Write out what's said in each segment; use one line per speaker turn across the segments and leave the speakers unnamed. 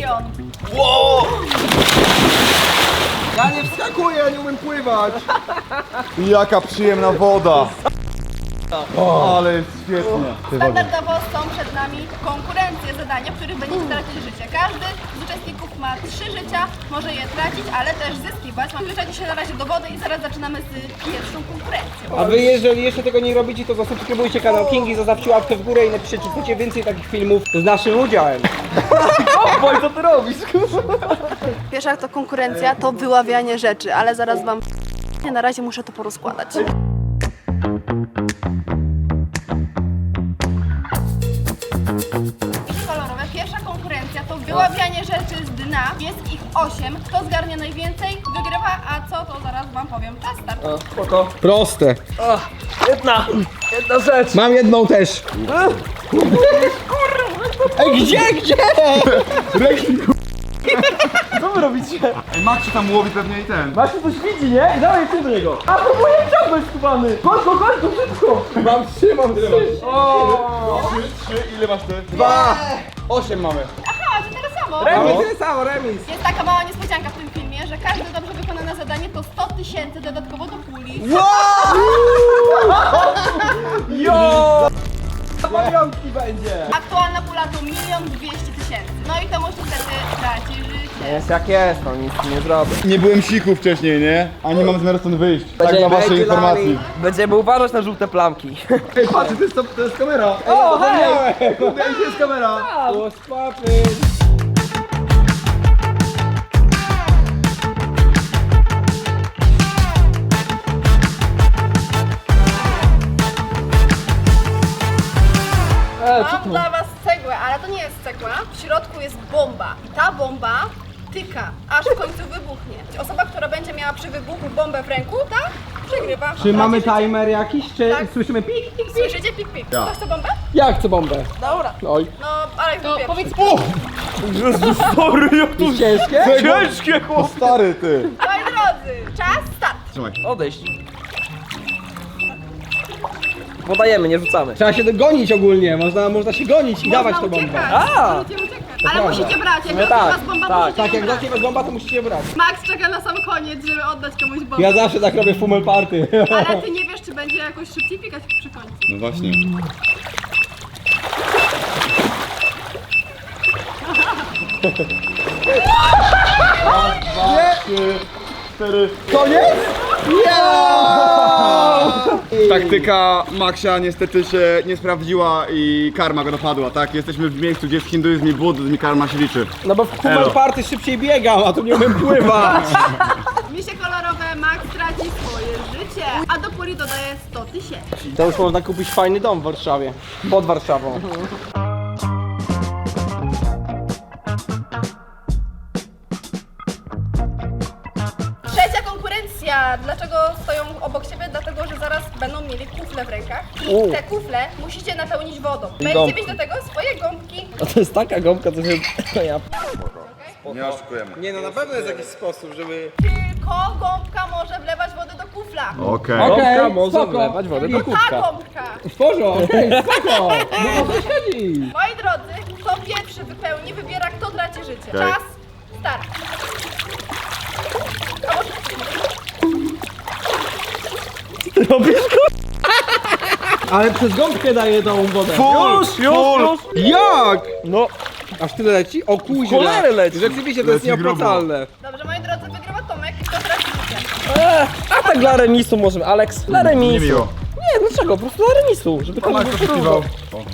milion.
Wow!
Ja nie wskakuję, ja nie umiem pływać.
Jaka przyjemna woda! O, ale jest świetnie.
Standardowo są przed nami konkurencje, zadania, w których będziecie tracić życie. Każdy z uczestników ma 3 życia, może je tracić, ale też zyskiwać. Wliczacie się na razie do wody i zaraz zaczynamy z pierwszą konkurencją.
A wy jeżeli jeszcze tego nie robicie, to zasubskrybujcie kanał Kingi, zostawcie łapkę w górę i napiszcie, czy chcecie więcej takich filmów z naszym udziałem. Oj, co ty robisz?
Pierwsza to konkurencja, to wyławianie rzeczy, ale zaraz wam na razie muszę to porozkładać. Kolorowe. Pierwsza konkurencja to wyławianie rzeczy z dna. Jest ich 8. Kto zgarnie najwięcej, wygrywa, a co to zaraz wam powiem. Czas start.
Spoko. Proste.
Jedna rzecz.
Mam jedną też. Ej, gdzie?
Co wy robicie?
Ej, Max się tam łowi pewnie i ten.
Maciu coś widzi, nie? I dawaj ty do niego. A próbuję ciągnąć skubany. Chodź, szybko.
Mam 3, mam 3.
O!
3, ile masz ty?
2. 8 mamy.
Aha, to tyle samo.
Mamy tyle samo, remis.
Jest taka mała niespodzianka w tym filmie, że każde dobrze wykonane zadanie to 100 000 dodatkowo do puli.
Jo! Pamiątki będzie.
Aktualna pula to 1 200 000. No i to może wtedy traci życie.
Jest jak jest, no nic nie zrobię.
Nie byłem siku wcześniej, nie? A nie mam zamiaru stąd wyjść. Tak dla waszej informacji.
Będziemy uważać na żółte plamki.
Ej, patrz, to jest kamera.
O,
hej! Kurde, gdzie jest kamera? O, spapy.
Mam dla was cegłę, ale to nie jest cegła. W środku jest bomba. I ta bomba tyka, aż w końcu wybuchnie. Osoba, która będzie miała przy wybuchu bombę w ręku, ta przegrywa.
Czy mamy
Traci życie.
timer jakiś, czy
Tak.
słyszymy pik, pik, pik?
Słyszycie pik pik?
Ja.
Ktoś chce bombę?
Ja chcę bombę.
Dobra.
Oj.
No, ale to powiedz.
Jezus, sorry, jak
To jest ciężkie?
ciężkie,
O
chłop.
stary ty!
Moi drodzy, czas start.
Trzymaj.
Odejść. Podajemy, nie rzucamy.
Trzeba się dogonić ogólnie, można się gonić i dawać tą bombę.
A!
Możecie uciekać. Ale musicie brać, jak
No
no
tak,
was bomba,
tak.
musicie
Tak,
ją
jak
brać.
zacznie was bomba, to musicie brać.
Max czeka na sam koniec, żeby oddać komuś bombę.
Ja zawsze tak robię w Fumel Party.
Ale ty nie wiesz, czy będzie jakoś szybciej pikać przy końcu.
No właśnie. Trzy, 4.
Koniec?
Taktyka Maxia niestety się nie sprawdziła i karma go dopadła, tak? Jesteśmy w miejscu, gdzie jest hinduizm i buddyzm i karma się liczy.
No bo w Fumel
Elo.
Party szybciej biegam, a tu nie umiem pływać.
Misie kolorowe, Max traci swoje życie, a do puli dodaje 100 000.
To już można kupić fajny dom w Warszawie. Pod Warszawą.
Trzecia konkurencja. Dlaczego stoją obok siebie? Dlatego, że zaraz będą mieli kufle w rękach.
U.
I te kufle musicie napełnić wodą.
I
Będziecie
gąbki.
mieć do tego swoje gąbki.
A to jest taka gąbka, co się... Ja...
Nie oszukujemy.
Nie no, na pewno jest jakiś sposób, żeby...
Tylko gąbka może wlewać wodę do kufla.
Okej.
Okej,
Gąbka może
spoko.
wlewać wodę do
Ta
kubka.
gąbka.
W porządku, okej, spoko. No o co chodzi?
Moi drodzy, kto pierwszy wypełni, wybiera kto traci życie.
Okej.
Czas, start.
Robisz
Ale przez gąbkę daję tą wodę.
Już.
Jak?
No,
Aż tyle leci? O kuźwa.
cholery leci.
Rzeczywiście to jest
Leci grubo.
nieopłacalne.
Dobrze, moi drodzy, wygrywa Tomek. Kto traci życie?
A tak dla remisu możemy, Alex, dla remisu.
Niemiło.
Nie, dlaczego? Po prostu dla remisu, żeby każdy
Max
był
to
porówno.
poszukiwał.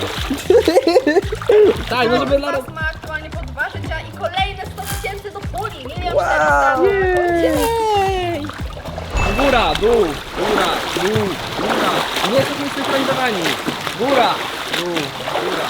Tak, no żeby dla
Max ma aktualnie po 2 życia i kolejne 100 000 do puli. 1
Wow.
400 000.
Jej! Góra, dół, góra, dół, góra. Nie jesteśmy synchronizowani. Góra, dół, góra.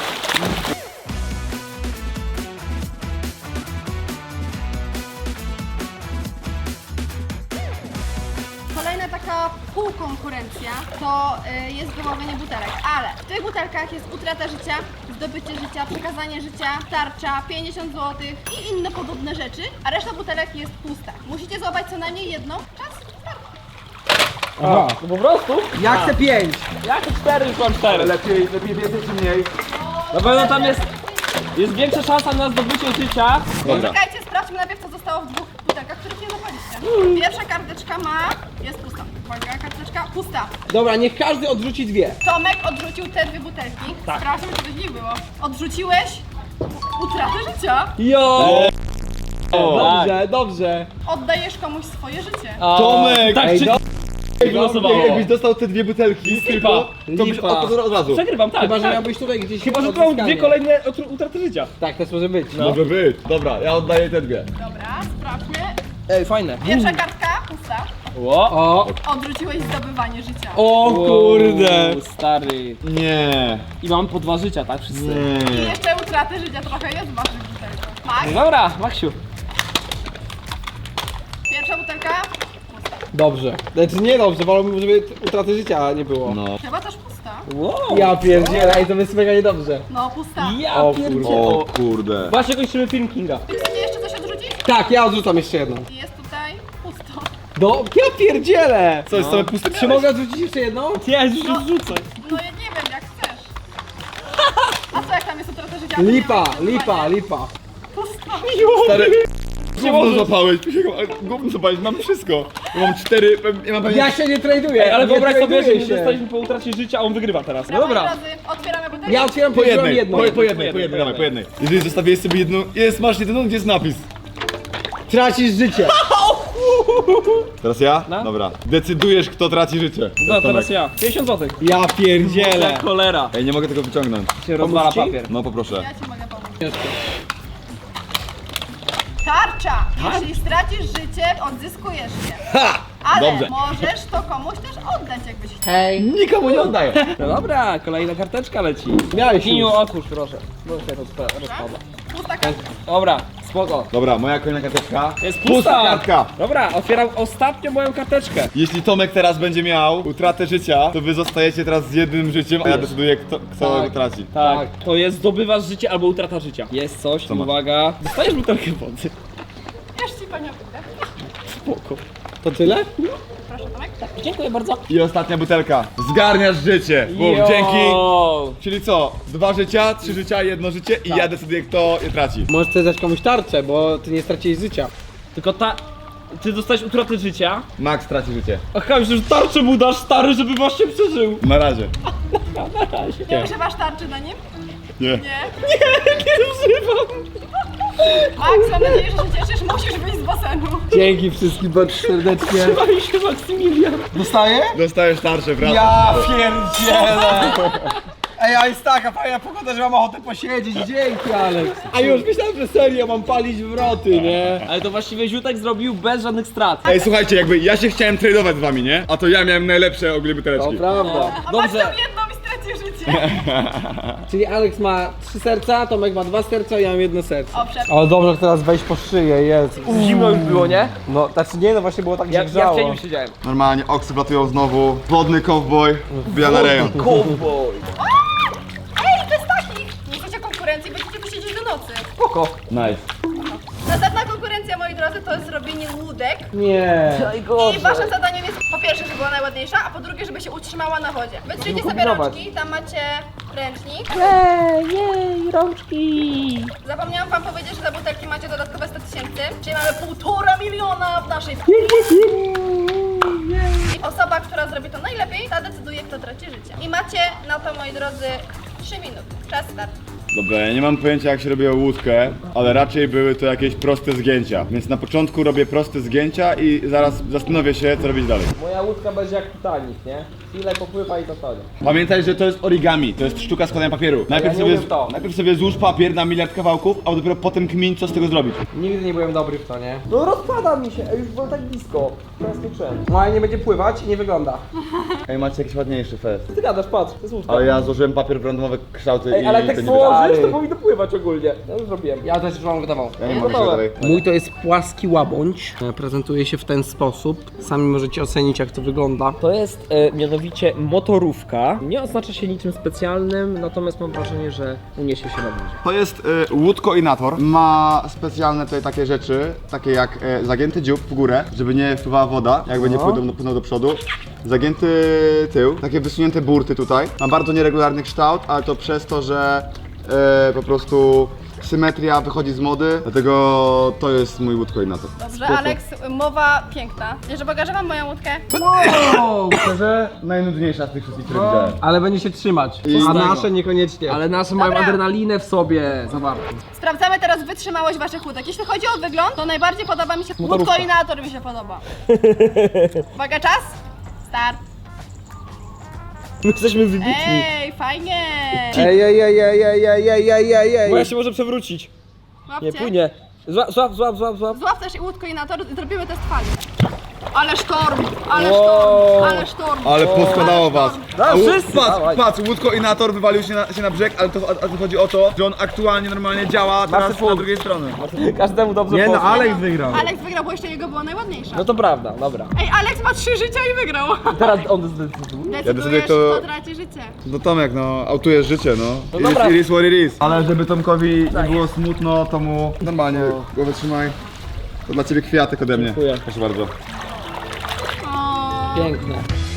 Kolejna taka półkonkurencja to jest wyławienie butelek, ale w tych butelkach jest utrata życia, zdobycie życia, przekazanie życia, tarcza, 50 zł i inne podobne rzeczy, a reszta butelek jest pusta. Musicie złapać co najmniej jedną. Czas, start.
Aha.
No po prostu?
Ja chcę 5.
Jak 4 już mam 4.
Lepiej więcej czy mniej?
Na pewno tam jest Jest większa szansa na zdobycie życia.
Dobra.
Czekajcie, sprawdźmy najpierw, co zostało w dwóch butelkach, których nie zapaliście. Pierwsza karteczka jest pusta. Uwaga, karteczka pusta.
Dobra, niech każdy odrzuci dwie.
Tomek odrzucił te dwie butelki. Sprawdźmy, co w nich było. Odrzuciłeś utratę życia.
Jo!
Dobrze, dobrze.
Oddajesz komuś swoje życie.
Tomek!
Tak,
Ej,
czy...
do-
wylosowało.
Jakbyś dostał te dwie butelki tylko, to byś
Lipa.
od razu.
Przegrywam, tak.
Chyba, że
tak.
miałbyś tutaj gdzieś
Chyba, że to mam
odzyskanie.
dwie kolejne utraty życia.
Tak, też może być.
Może być. Dobra, ja oddaję te dwie.
Dobra, sprawdźmy.
Ej, fajne.
Pierwsza kartka pusta.
Ło!
O,
Odrzuciłeś zdobywanie życia.
o kurde.
Stary.
Nie.
I mam po 2 życia, tak? Wszyscy.
I
Nie.
jeszcze utraty życia trochę jest w waszych butelkach. Max,
No dobra, Maksiu.
pierwsza butelka pusta.
Dobrze. Znaczy nie dobrze, wolałbym, żeby utraty życia nie było.
No.
Chyba też pusta.
Wow.
Ja pierdzielę, ej, to jest mega niedobrze.
No, pusta.
Ja
O
pierdzielę.
O kurde.
Właśnie kończymy film Kinga.
Ty chcecie jeszcze coś odrzucić?
Tak, ja odrzucam jeszcze jedną.
I jest tutaj pusto.
Ja pierdzielę!
Co jest same puste?
Czy mogę odrzucić jeszcze jedną?
Ja już rzucę.
No ja nie wiem, jak chcesz. A co jak tam jest utrata życia?
Lipa,
Nie,
lipa, lipa.
Pusta.
Stary, gówno zapałeś, gówno zapałeś, mam wszystko. Ja mam 4, ja mam
Ja się nie traduję.
Ej, ale
nie
wyobraź sobie, że
traduję
my
się.
dostaliśmy po utracie życia, a on wygrywa teraz. No
Moi
dobra.
drodzy, otwieramy butelkę.
Ja otwieram
po jednej,
jedną.
po jednej, dawaj, po jednej. Jeżeli zostawiłeś sobie jedną, masz jedną, gdzie jest napis?
Tracisz życie.
Teraz ja?
No.
Dobra. Decydujesz, kto traci życie.
No teraz ja. 50 zł.
Ja pierdzielę.
Cholera.
Ej, nie mogę tego wyciągnąć.
Się rozwala
ci?
papier.
No poproszę.
Ja ci mogę pomóc. Tarcza! Jeśli stracisz życie, odzyskujesz je. Ale
Dobrze.
możesz to komuś też oddać, jakbyś chciał.
Hej.
Nikomu nie oddaję.
No dobra, kolejna karteczka leci.
Miałeś
Kiniu,
już.
otwórz proszę. Bo się rozpada.
Pusta kartka.
Dobra, spoko.
Dobra, moja kolejna karteczka.
Jest
Pusta
pusta.
kartka.
Dobra, otwieram ostatnią moją karteczkę.
Jeśli Tomek teraz będzie miał utratę życia, to wy zostajecie teraz z jednym życiem, a ja decyduję, kto
Tak.
go traci.
Tak, to jest zdobywasz życie albo utrata życia. Jest coś,
Co masz?
uwaga. Dostajesz butelkę wody.
Wiesz ci panią butelkę.
Spoko.
To tyle?
Proszę, Tomek.
Dziękuję bardzo.
I ostatnia butelka. Zgarniasz życie. Bum,
Jo.
dzięki. Czyli co? 2 życia, 3 życia, 1 życie i ja decyduję, kto je traci.
Możesz też dać komuś tarczę, bo ty nie straciłeś życia.
Tylko ty dostałeś utratę życia.
Max traci życie.
Aha, myślę, że tarczę mu dasz, stary, żeby właśnie przeżył.
Na razie.
Nie używasz tarczy na nim?
Nie.
Nie.
Nie używam.
Max, mam nadzieję, że się cieszysz. Musisz wyjść z basenu.
Dzięki wszystkim bardzo serdecznie.
Trzymaj się, Maksymilian.
Dostaję?
Dostajesz tarczę, prawda?
Ja pierdzielę! Ej, a jest taka fajna pogoda, że mam ochotę posiedzieć, dzięki Alex! A już myślałem, że serio mam palić wroty, nie?
Ale to właściwie Ziutek zrobił bez żadnych strat.
Ej, słuchajcie, jakby ja się chciałem tradeować z wami, nie? A to ja miałem najlepsze ogólnie
To
buteleczki.
prawda.
A Max
Dobrze.
tam jedną i straci życie.
Czyli Alex ma 3 serca, Tomek ma 2 serca, ja mam 1 serce.
Owszem.
Ale dobrze, teraz wejść po szyję, jest.
Zimno już było, nie?
No, znaczy nie, no właśnie było tak, że
Ja w
grzało.
cieniu siedziałem.
Normalnie oksy wlatują znowu. Wodny cowboy wbija na rejon.
Cowboy.
Ej, to jest takich! Nie chcecie konkurencji, będziecie tu siedzieć do nocy.
Spoko.
Nice.
Następna konkurencja, moi drodzy, to jest zrobienie łódek.
Nie.
I waszym zadaniem jest po pierwsze, żeby była najładniejsza, a po drugie, żeby się utrzymała na wodzie. Wytrzyjcie sobie
kombinować.
rączki, tam macie ręcznik.
Jej, rączki.
Zapomniałam wam powiedzieć, że za butelki macie dodatkowe 100 000, czyli mamy 1,5 miliona w naszej I osoba, która zrobi to najlepiej, ta decyduje, kto traci życie. I macie na to, moi drodzy, 3 minuty. Czas start.
Dobra, ja nie mam pojęcia jak się robiło łódkę, ale raczej były to jakieś proste zgięcia. Więc na początku robię proste zgięcia i zaraz zastanowię się, co robić dalej.
Moja łódka będzie jak Titanic, nie? Chwilę popływa i zatonie.
Pamiętaj, że to jest origami, to jest sztuka składania papieru. Najpierw sobie złóż papier na miliard kawałków, a dopiero potem kmin, co z tego zrobić.
Nigdy nie byłem dobry w to, nie? No rozpada mi się, już było tak blisko. Teraz skończyłem. Moja nie będzie pływać i nie wygląda.
Ej, macie jakiś ładniejszy fest.
Ty gadasz, patrz, to jest łódka.
Ale ja złożyłem papier w randomowe kształty
Ej,
i
ale jak
to
tak
nie wyszło.
położysz, to
To
powinno pływać ogólnie. Ja już zrobiłem. Ja też już mam gotował.
Ja nie mogę się dalej.
Mój to jest płaski łabędź. Prezentuje się w ten sposób. Sami możecie ocenić, jak to wygląda.
To jest mianowicie motorówka. Nie oznacza się niczym specjalnym, natomiast mam wrażenie, że uniesie się na wodzie.
To jest łódkoinator. Ma specjalne tutaj takie rzeczy, takie jak zagięty dziób w górę, żeby nie wpływała woda, jakby nie płynął do przodu. Zagięty tył, takie wysunięte burty tutaj. Ma bardzo nieregularny kształt, ale to przez to, że po prostu symetria wychodzi z mody, dlatego to jest mój łódkoinator.
Dobrze, Alex, mowa piękna. Jeszcze pokażę wam moją łódkę.
Wow,
Szczerze, najnudniejsza z tych wszystkich, które widziałem.
ale będzie się trzymać.
I-
A nasze niekoniecznie.
Ale nasze mają
Dobra.
adrenalinę w sobie zawartą.
Sprawdzamy teraz wytrzymałość waszych łódek. Jeśli chodzi o wygląd, to najbardziej podoba mi się
Motorówka.
łódkoinator mi się podoba. Uwaga, czas? Start.
My jesteśmy wybitni.
Ej, fajnie!
Ej.
Bo ja się może przewrócić.
Łapcie.
Nie, płynie. Złap.
Złap też łódkoinator i zrobimy test fali. Ale sztorm, ale
Wow.
sztorm, ale sztorm.
Ale poskładało
Ale
was.
sztorm.
No,
A łód-
wszyscy,
patrz,
dawaj.
patrz, łódkoinator wywalił się na brzeg, ale to chodzi o to, że on aktualnie normalnie działa teraz na
punkt.
drugiej stronie.
Każdemu dobrze
Nie no,
poszło.
Alex wygrał.
Alex wygrał, bo jeszcze jego było najładniejsza.
No to prawda, dobra.
Ej, Alex ma 3 życia i wygrał.
Teraz on zdecyduje.
Decydujesz,
kto-
kto traci życie.
No Tomek, no, autujesz życie, no.
No dobra.
It is what it is. Ale żeby Tomkowi nie było smutno, to mu normalnie głowę trzymaj. To dla ciebie kwiatek ode mnie.
Dziękuję.
Proszę bardzo.
O,
Piękne.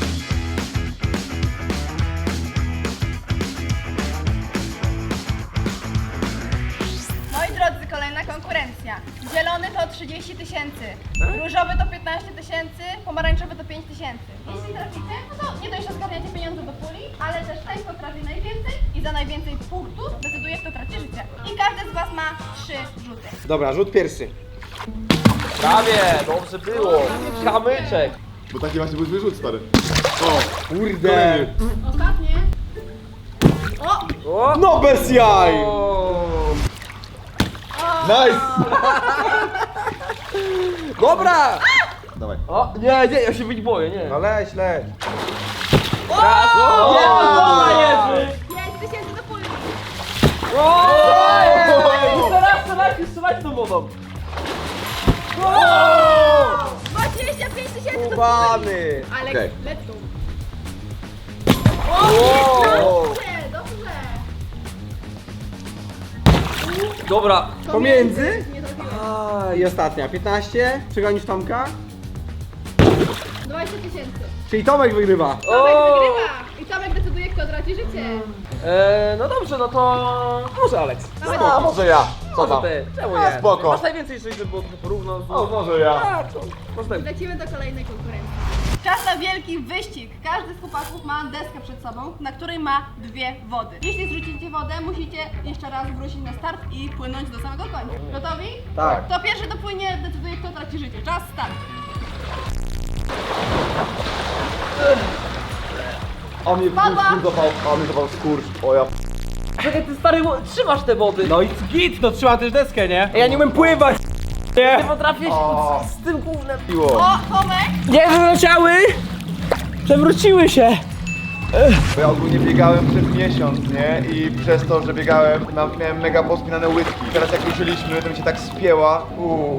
moi drodzy, kolejna konkurencja. Zielony to 30 000, różowy to 15 000, pomarańczowy to 5 000. Jeśli traficie, no to nie dość, że zgarniacie pieniądze do puli, ale też ten, kto trafi najwięcej i za najwięcej punktów decyduje, kto traci życie. I każdy z was ma 3 rzuty.
Dobra, rzut pierwszy.
Prawie, dobrze było. Kamyczek.
Bo taki właśnie był wyrzut, stary. O,
Kurde.
Ostatnie. O!
O!
No bez jaj.
nice!
Dobra!
Dawaj.
O, nie, ja się być boję, nie.
No leć.
Raz. O, Jerzy!
5 000 do puli.
O! Teraz strzelać tą wodą.
25 000 do puli.
Kubany.
Alex,
Okej.
let's go.
O!
Dobrze, dobrze.
Dobra.
Pomiędzy?
Nie trafiłem.
I ostatnia, 15. Przegonisz Tomka?
20 000.
Czyli Tomek wygrywa.
Tomek
O!
wygrywa. I Tomek decyduje, kto traci życie.
No dobrze, no to może Alex.
A, może ja. Co tam?
Ty, czemu
A,
nie?
spoko.
Masz najwięcej, żeby było trochę porówno.
O, może ja.
Tak, to można.
Lecimy do kolejnej konkurencji. Czas na wielki wyścig. Każdy z chłopaków ma deskę przed sobą, na której ma 2 wody. Jeśli zrzucicie wodę, musicie jeszcze raz wrócić na start i płynąć do samego końca. Gotowi?
Tak.
Kto pierwszy dopłynie, decyduje, kto traci życie. Czas, start.
On mnie
Padła.
zapał skurcz. O ja.
Czekaj, ty stary, trzymasz te wody.
No i git, no trzyma też deskę, nie?
Ja nie umiem pływać.
Nie.
Nie potrafię się z tym gównem.
piło.
O, Tomek!
Nie wyleciały! Przewróciły się.
Bo ja ogólnie biegałem przez miesiąc, nie? I przez to, że biegałem, miałem mega pospinane łydki. Teraz jak ruszyliśmy, to mi się tak spięła.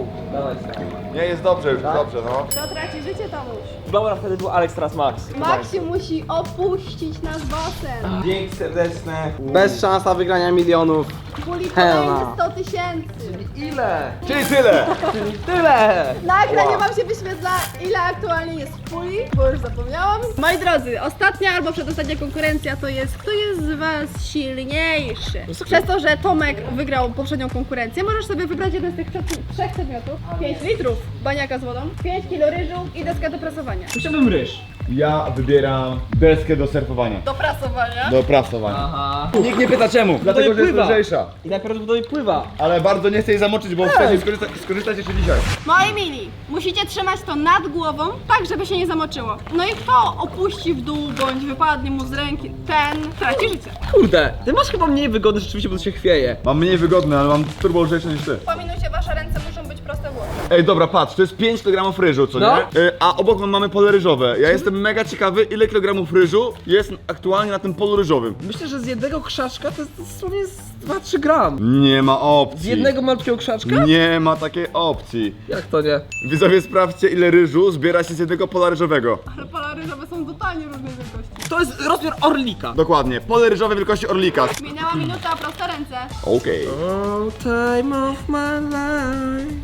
Nie, jest dobrze już, dobrze, no.
Kto traci życie, Tomuś?
Dobra, wtedy był Alex, teraz Max.
Maxi musi opuścić nasz basen.
Dzięki serdeczne. Bez szans na wygrania milionów.
Puli
Hela.
kolejne 100 000.
Ile?
Czyli tyle!
Tyle!
Na ekranie wam się wyświetla, ile aktualnie jest w puli, bo już zapomniałam. Moi drodzy, ostatnia albo przedostatnia konkurencja to jest, kto jest z was silniejszy. Przez to, że Tomek wygrał poprzednią konkurencję, możesz sobie wybrać jeden z tych 3 przedmiotów. 5 litrów baniaka z wodą, 5 kilo ryżu i deskę do prasowania.
Chciałbym ryż.
Ja wybieram deskę do surfowania.
Do prasowania?
Do prasowania.
Aha.
Nikt nie pyta czemu, dlatego że jest
pływa.
lżejsza.
I najprawdopodobniej pływa.
Ale bardzo nie chcę jej zamoczyć, bo chcę skorzystać jeszcze dzisiaj.
Moi mili, musicie trzymać to nad głową, tak żeby się nie zamoczyło. No i kto opuści w dół, bądź wypadnie mu z ręki, ten traci życie.
Kurde, ty masz chyba mniej wygody rzeczywiście, bo to się chwieje.
Mam mniej wygodne, ale mam turbo lżejsze niż ty.
Po minucie wasze ręce muszą być proste w głowie.
Ej, dobra, patrz, to jest 5 kg ryżu, co
No.
nie? A obok mamy pole ryżowe. Ja jestem mega ciekawy, ile kilogramów ryżu jest aktualnie na tym polu ryżowym.
Myślę, że z jednego krzaczka to jest dosłownie z 2-3 gram.
Nie ma opcji.
Z jednego malutkiego krzaczka?
Nie ma takiej opcji.
Jak to nie?
Widzowie, sprawdźcie, ile ryżu zbiera się z jednego pola ryżowego.
Ale pola ryżowe są totalnie różnej wielkości.
To jest rozmiar orlika.
Dokładnie, pole ryżowe wielkości orlika.
Minęła minuta, proste ręce.
Okej.
All time of my life.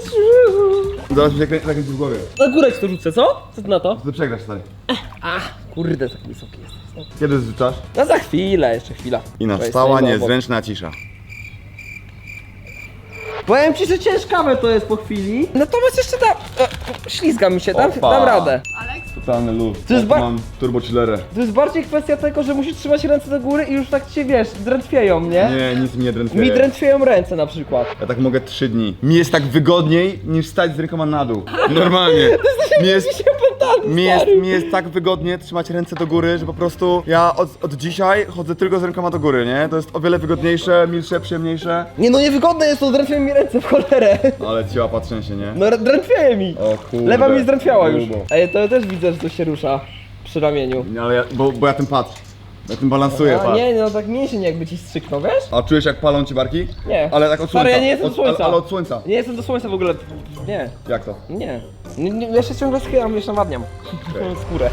Zaraz mi się zakręci w głowie.
Na górę ci to rzucę, co? Co ty na to?
Ty przegrasz, stary.
Kurde, tak wysoki jesteś. No.
Kiedy zrzucasz?
No za chwilę, jeszcze chwila.
I
To
nastała
jest
niezręczna cisza.
Powiem ci, że ciężkawe to jest po chwili. Natomiast jeszcze ślizga mi się, dam
Opa.
radę.
Aleks?
Totalny luz.
To jest
Mam turbo chillerę.
To jest bardziej kwestia tego, że musisz trzymać ręce do góry i już tak cię, wiesz, drętwieją, nie?
Nie, nic mi nie drętwieje.
Mi drętwieją ręce na przykład.
Ja tak mogę 3 dni. Mi jest tak wygodniej niż stać z rękoma na dół. Normalnie. Mi jest tak wygodnie trzymać ręce do góry, że po prostu ja od dzisiaj chodzę tylko z rękoma do góry, nie? To jest o wiele wygodniejsze, milsze, przyjemniejsze.
Nie no, niewygodne jest to, drętwieją mi ręce w cholerę.
Ale ciała patrzęsie, nie?
No drętwieje mi.
O kurde.
Lewa mi zdrętwiała już.
Grubo.
Ej, to ja też widzę, że coś się rusza przy ramieniu.
Nie, ale bo ja tym patrzę. Ja tym balansuję,
A,
patrz.
nie, no tak mięsień jakby ci strzyknął, wiesz?
A czujesz jak palą ci barki?
Nie.
Ale tak od
Stary,
słońca.
ja nie jestem od słońca.
Ale od słońca.
Nie jestem do słońca w ogóle. Nie.
Jak to?
Nie. Ja się ciągle schylam, wiesz, nawadniam. Skórę.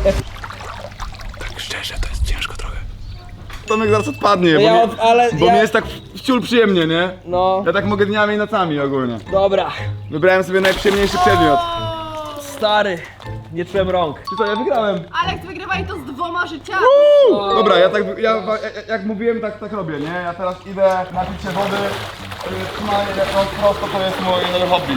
Tomek zaraz odpadnie,
No
bo,
ja
mi,
od- ale
bo
ja-
mi jest tak wciul przyjemnie, nie?
No,
Ja tak mogę dniami i nocami ogólnie.
dobra.
Wybrałem sobie najprzyjemniejszy przedmiot.
Stary, nie czułem rąk.
Czy co, ja wygrałem.
Aleks, wygrywaj to z 2 życiami.
Dobra, jak mówiłem, tak robię, nie? Ja teraz idę napić się wody. Trzymanie rąk prosto to jest mój nowy hobby.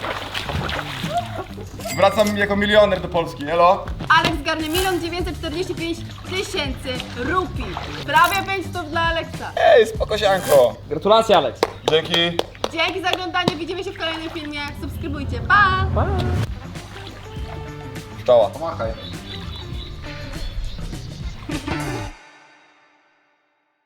Wracam jako milioner do Polski, elo?
Aleks zgarnie 1 945 000 rupii. Prawie 500 dla Aleksa.
Ej, spokosianko.
Gratulacje, Alex.
Dzięki.
Dzięki za oglądanie, widzimy się w kolejnym filmie. Subskrybujcie, pa!
Pa.
Pszczoła. Pomachaj.